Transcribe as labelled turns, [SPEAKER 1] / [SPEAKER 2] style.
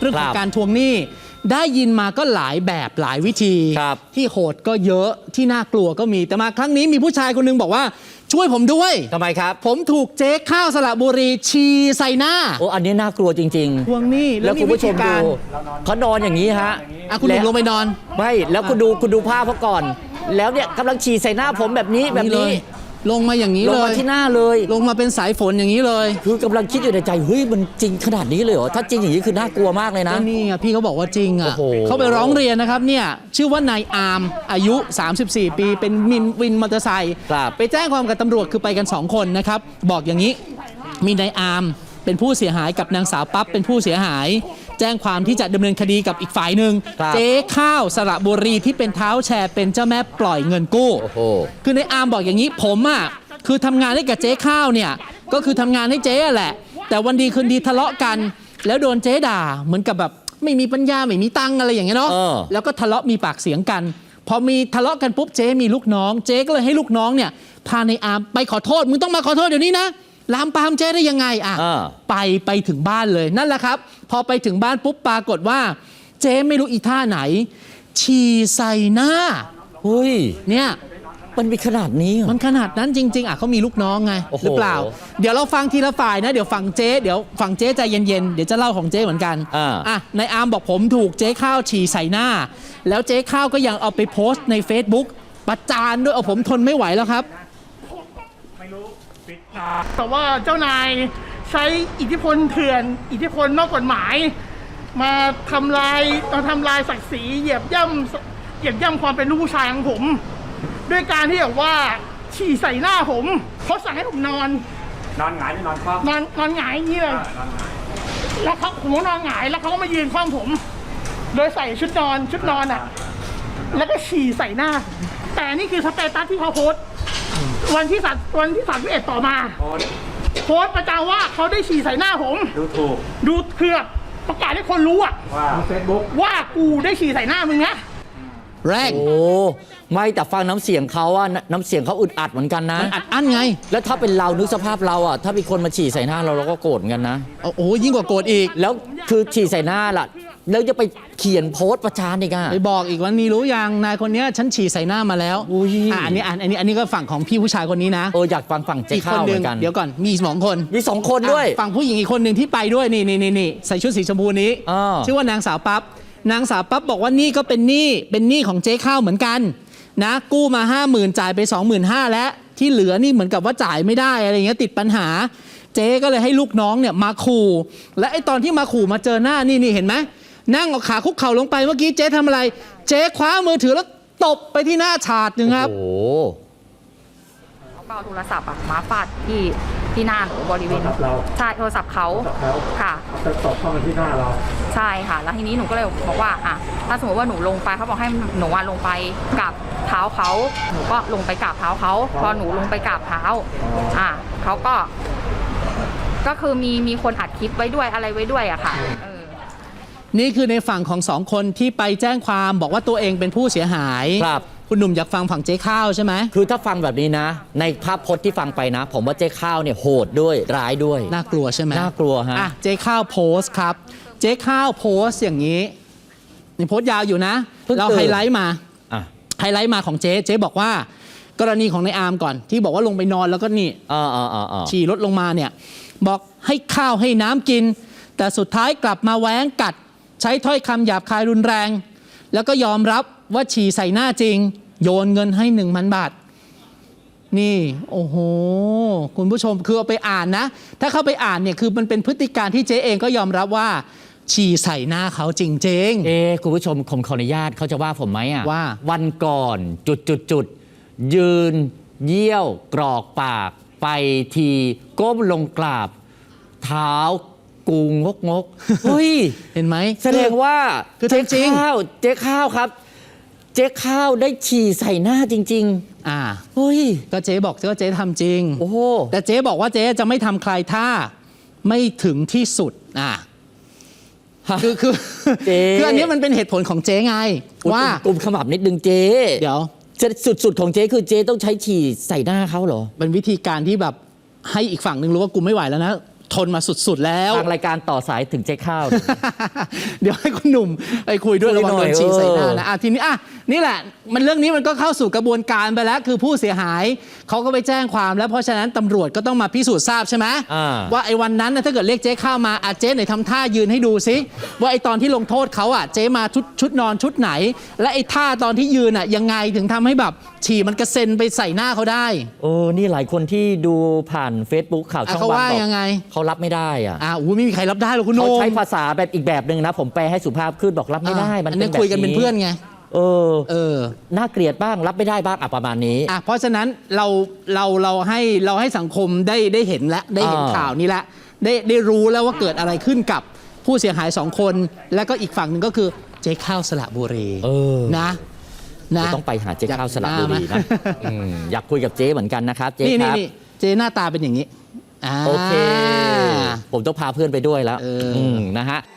[SPEAKER 1] รื่องของการทวงหนี้ได้ยินมาก็หลายแบบหลายวิธีที่โหดก็เยอะที่น่ากลัวก็มีแต่มาครั้งนี้มีผู้ชายคนนึงบอกว่าช่วยผมด้วย
[SPEAKER 2] ทำไมครับ
[SPEAKER 1] ผมถูกเจ๊ข้าวสระบุรีฉี่ใส่หน้า
[SPEAKER 2] โอ้อันนี้น่ากลัวจริง
[SPEAKER 1] ๆทวงหนี้
[SPEAKER 2] แล้วคุณผู้ชมดูเขานอนอย่างนี้ฮะ
[SPEAKER 1] คุณลงไปนอน
[SPEAKER 2] ไม่แล้วคุณดูภาพเขาก่อนแล้วเนี่ยกำลังฉี่ใส่หน้าผมแบบนี้
[SPEAKER 1] ลงมาอย่างนี้เลย
[SPEAKER 2] ลงมาที่หน้าเลย
[SPEAKER 1] ลงมาเป็นสายฝนอย่างนี้เลย
[SPEAKER 2] คือกำลังคิดอยู่ในใจเฮ้ยมันจริงขนาดนี้เลยเหรอถ้าจริงอย่างนี้คือน่ากลัวมากเลยนะ
[SPEAKER 1] นี่พี่เขาบอกว่าจริงอ่ะเขาไปร้องเรียนนะครับเนี่ยชื่อว่านายอาร์มอายุ34ปีเป็นวินมอเตอร์ไซค์ไปแจ้งความกับตำรวจคือไปกัน2คนนะครับบอกอย่างนี้มีนายอาร์มเป็นผู้เสียหายกับนางสาวปั๊บเป็นผู้เสียหายแจ้งความที่จะดำเนินคดีกับอีกฝ่ายหนึ่งเจ๊ข้าวสระบุรีที่เป็นเท้าแชร์เป็นเจ้าแม่ปล่อยเงินกู้คือในอาร์มบอกอย่างนี้ผมอ่ะคือทำงานให้กับเจ๊ข้าวเนี่ยก็คือทำงานให้เจ๊แหละแต่วันดีคืนดีทะเลาะกันแล้วโดนเจ๊ด่าเหมือนกับแบบไม่มีปัญญาไม่มีตังอะไรอย่างเงี้ยเนาะแล้วก็ทะเลาะมีปากเสียงกันพอมีทะเลาะกันปุ๊บเจ๊มีลูกน้องเจ๊ก็เลยให้ลูกน้องเนี่ยพาในอาร์มไปขอโทษมึงต้องมาขอโทษเดี๋ยวนี้นะลามปามเจ๊ได้ยังไงไปถึงบ้านเลยนั่นแหละครับพอไปถึงบ้านปุ๊บปรากฏว่าเจ๊ไม่รู้อีท่าไหนฉี่ใส่หน้า
[SPEAKER 2] เฮ้ย
[SPEAKER 1] เนี่ย
[SPEAKER 2] มันมีขนาดนี้
[SPEAKER 1] มันขนาดนั้นจริงๆเขามีลูกน้องไงหรือเปล่าเดี๋ยวเราฟังทีละฝ่ายนะเดี๋ยวฝั่งเจ๊ใจเย็นๆเดี๋ยวจะเล่าของเจ๊เหมือนกันนายอาร์มบอกผมถูกเจ๊ข้าวฉี่ใส่หน้าแล้วเจ๊ข้าวก็ยังเอาไปโพสต์ใน Facebook ประจานด้วยผมทนไม่ไหวแล้วครับ
[SPEAKER 3] แต่ว่าเจ้านายใช้อิทธิพลเถื่อนอิทธิพลนอกกฎหมายมาทำลายศักดิ์ศรีเหยียบย่ำความเป็นลูกผู้ชายของผมด้วยการที่แบบว่าฉี่ใส่หน้าผมเขาสั่งให้ผมนอน
[SPEAKER 4] หงายไม่นอนคว่
[SPEAKER 3] ำนอนหงายอย่างนี้เลยแล้วผมนอนหงายแล้วเขาก็มายืนคว่ำผมโดยใส่ชุดนอนอ่ะแล้วก็ฉี่ใส่หน้าแต่นี่คือสเตตัสที่เขาโพสต์วันที่31ต่อมาโพสต์ประจานว่าเขาได้ฉี่ใส่หน้าผมดูเพื่อประกาศให้คนรู้อะ
[SPEAKER 4] ว่าเฟซบุ๊ก
[SPEAKER 3] ว่ากูได้ฉี่ใส่หน้ามึงนะ
[SPEAKER 1] แรง
[SPEAKER 2] โอ้ไม่แต่ฟังน้ำเสียงเขาอะน้ำเสียงเขาอึดอัดเหมือนกันนะ
[SPEAKER 1] อัดอั้นไง
[SPEAKER 2] แล้วถ้าเป็นเรานึกสภาพเราอะถ้ามีคนมาฉี่ใส่หน้าเราก็โกรธกันนะ
[SPEAKER 1] โอ้ยิ่งกว่าโกรธอีก
[SPEAKER 2] แล้วคือฉี่ใส่หน้าล่ะแล้วจะไปเขียนโพสต์ประจานอีกอะ
[SPEAKER 1] ไปบอกอีกว่านี่รู้ยังนายคนนี้ฉันฉี่ใส่หน้ามาแล้วอันนี้ก็ฝั่งของพี่ผู้ชายคนนี้นะ
[SPEAKER 2] อยากฟังฝั่งเจ๊ข้าวเหมือนกัน
[SPEAKER 1] เดี๋ยวก่อนมี2 คน
[SPEAKER 2] ด้วย
[SPEAKER 1] ฝั่งผู้หญิงอีกคนหนึ่งที่ไปด้วยนี่ใส่ชุดสีชมพูนี้ชื่อว่านางสาวปั๊บนางสาวปั๊บบอกว่านี่ก็เป็นหนี้ของเจ๊ข้าวเหมือนกันนะกู้มา 50,000 จ่ายไป 25,000แล้วที่เหลือนี่เหมือนกับว่าจ่ายไม่ได้อะไรเงี้ยติดปัญหาเจ๊ก็เลยให้ลูกน้องเนี่ยมาขู่และไอ้ตอนที่มาขู่มาเจอหน้านี่เห็นไหมนั่งเอาขาคุกเข่าลงไปเมื่อกี้เจ๊ทำอะไรเจ๊คว้ามือถือแล้วตบไปที่หน้าฉาดนึงครับ
[SPEAKER 5] เขาก็เอาโทรศัพท์มาฟาดที่หน้าหนูบริเวณใช่โทรศัพท์เขาค่ะ
[SPEAKER 4] ตบเข้ามาที่หน้าเรา
[SPEAKER 5] ใช่ค่ะแล้วทีนี้หนูก็เลยบอกว่าถ้าสมมติว่าหนูลงไปเขาบอกให้หนูลงไปกราบเท้าเขาหนูก็ลงไปกราบเท้าเขาพอหนูลงไปกราบเท้าเขาก็คือมีคนอัดคลิปไว้ด้วยอะไรไว้ด้วยอะค่ะ
[SPEAKER 1] นี่คือในฝั่งของ2 คนที่ไปแจ้งความบอกว่าตัวเองเป็นผู้เสียหาย
[SPEAKER 2] ครับ
[SPEAKER 1] คุณหนุ่มอยากฟังฝั่งเจ๊ข้าวใช่ไหม
[SPEAKER 2] คือถ้าฟังแบบนี้นะในภาพพจน์ที่ฟังไปนะผมว่าเจ๊ข้าวเนี่ยโหดด้วยร้ายด้วย
[SPEAKER 1] น่ากลัวใช่ไหม
[SPEAKER 2] น่ากลัวฮะ
[SPEAKER 1] เจ๊ข้าวโพสต์ครับเจ๊ข้าวโพสต์อย่างนี้นี่โพสต์ยาวอยู่นะเราไฮไลท์มาของเจ๊บอกว่ากรณีของนายอาร์มก่อนที่บอกว่าลงไปนอนแล้วก็นี่ฉี่รถลงมาเนี่ยบอกให้ข้าวให้น้ำกินแต่สุดท้ายกลับมาแหวงกัดใช้ถ้อยคำหยาบคายรุนแรงแล้วก็ยอมรับว่าฉี่ใส่หน้าจริงโยนเงินให้ 1,000 บาทนี่โอ้โหคุณผู้ชมคือเอาไปอ่านนะถ้าเข้าไปอ่านเนี่ยคือมันเป็นพฤติการที่เจ๊เองก็ยอมรับว่าฉี่ใส่หน้าเขาจริง
[SPEAKER 2] ๆคุณผู้ชมผมขออนุญาตเขาจะว่าผมไหม
[SPEAKER 1] ว่า
[SPEAKER 2] วันก่อนยืนเยี่ยวกรอกปากไปทีก้มลงกราบเท้ากูงกเฮ้ย
[SPEAKER 1] เห็นไหม
[SPEAKER 2] แสดงว่า
[SPEAKER 1] เจ๊
[SPEAKER 2] ข้าวครับเจ๊ข้าวได้ฉี่ใส่หน้าจริงๆเฮ้ย
[SPEAKER 1] ก็เจ๊บอกว่าเจ๊ทำจริง
[SPEAKER 2] โอ้
[SPEAKER 1] แต่เจ๊บอกว่าเจ๊จะไม่ทำใครถ้าไม่ถึงที่สุดคืออันนี้มันเป็นเหตุผลของเจ๊ไงว่
[SPEAKER 2] ากลุ่มขมับนิดนึงเจ๊
[SPEAKER 1] เดี๋ยว
[SPEAKER 2] สุดของเจ๊คือเจ๊ต้องใช้ฉี่ใส่หน้าเขาเหรอ
[SPEAKER 1] เป็นวิธีการที่แบบให้อีกฝั่งหนึ่งรู้ว่ากูไม่ไหวแล้วนะททนมาสุดๆแล้ว
[SPEAKER 2] ทางรายการต่อสายถึงเจ๊ข้าว
[SPEAKER 1] เดี๋ยวให้คุณหนุ่มไปคุยด้วย
[SPEAKER 2] คุ
[SPEAKER 1] ระ
[SPEAKER 2] ย
[SPEAKER 1] วัง
[SPEAKER 2] หน่
[SPEAKER 1] โด
[SPEAKER 2] อย
[SPEAKER 1] นฉีดใส่หน้า
[SPEAKER 2] เออ
[SPEAKER 1] นะทีนี้นี่แหละมันเรื่องนี้มันก็เข้าสู่กระบวนการไปแล้วคือผู้เสียหายเขาก็ไปแจ้งความแล้วเพราะฉะนั้นตำรวจก็ต้องมาพิสูจน์ทราบใช่ไหมว่าไอ้วันนั้นนะถ้าเกิดเรียกเจ๊ข้าวมาเจ๊ไหนทำท่ายืนให้ดูซิว่าไอ้ตอนที่ลงโทษเขาเจ๊มาชุดนอนชุดไหน และไอ้ท่าตอนที่ยืนยังไงถึงทำให้แบบฉี่มันกระเซ็นไปใส่หน้าเขาได้
[SPEAKER 2] นี่หลายคนที่ดูผ่าน Facebook ข่าวช่อง
[SPEAKER 1] เขา
[SPEAKER 2] วัน
[SPEAKER 1] ว่า
[SPEAKER 2] บอก
[SPEAKER 1] ยังไง
[SPEAKER 2] เขารับไม่ได้อะ
[SPEAKER 1] ไม่มีใครรับได้หรอกคุณโห
[SPEAKER 2] เขา
[SPEAKER 1] น่ง
[SPEAKER 2] ใช้ภาษาแบบอีกแบบหนึ่งนะ ผมแปลให้สุภาพขึ้นบอกรับไม่ได้ มัน
[SPEAKER 1] อัน
[SPEAKER 2] เป็
[SPEAKER 1] นี้
[SPEAKER 2] นแบบ
[SPEAKER 1] คุยกันเป็นเพื่อนไง
[SPEAKER 2] น่าเกลียดบ้างรับไม่ได้บ้างประมาณนี้
[SPEAKER 1] เพราะฉะนั้นเราให้สังคมได้เห็นแล้วได้เห็นข่าวนี้แล้วได้รู้แล้วว่าเกิดอะไรขึ้นกับผู้เสียหาย 2 คน แล้วก็อีกฝั่งหนึ่งก็คือเจ๊ข้าวสระบุรีนะ
[SPEAKER 2] ต้องไปหาเจ๊ข้าวสระบุรีนะอยากคุยกับเจ๊เหมือนกันนะครับเจ๊
[SPEAKER 1] นี่
[SPEAKER 2] ครับ
[SPEAKER 1] เจ๊หน้าตาเป็นอย่างนี้
[SPEAKER 2] โอเค ผมต้องพาเพื่อนไปด้วยแล้วนะฮะ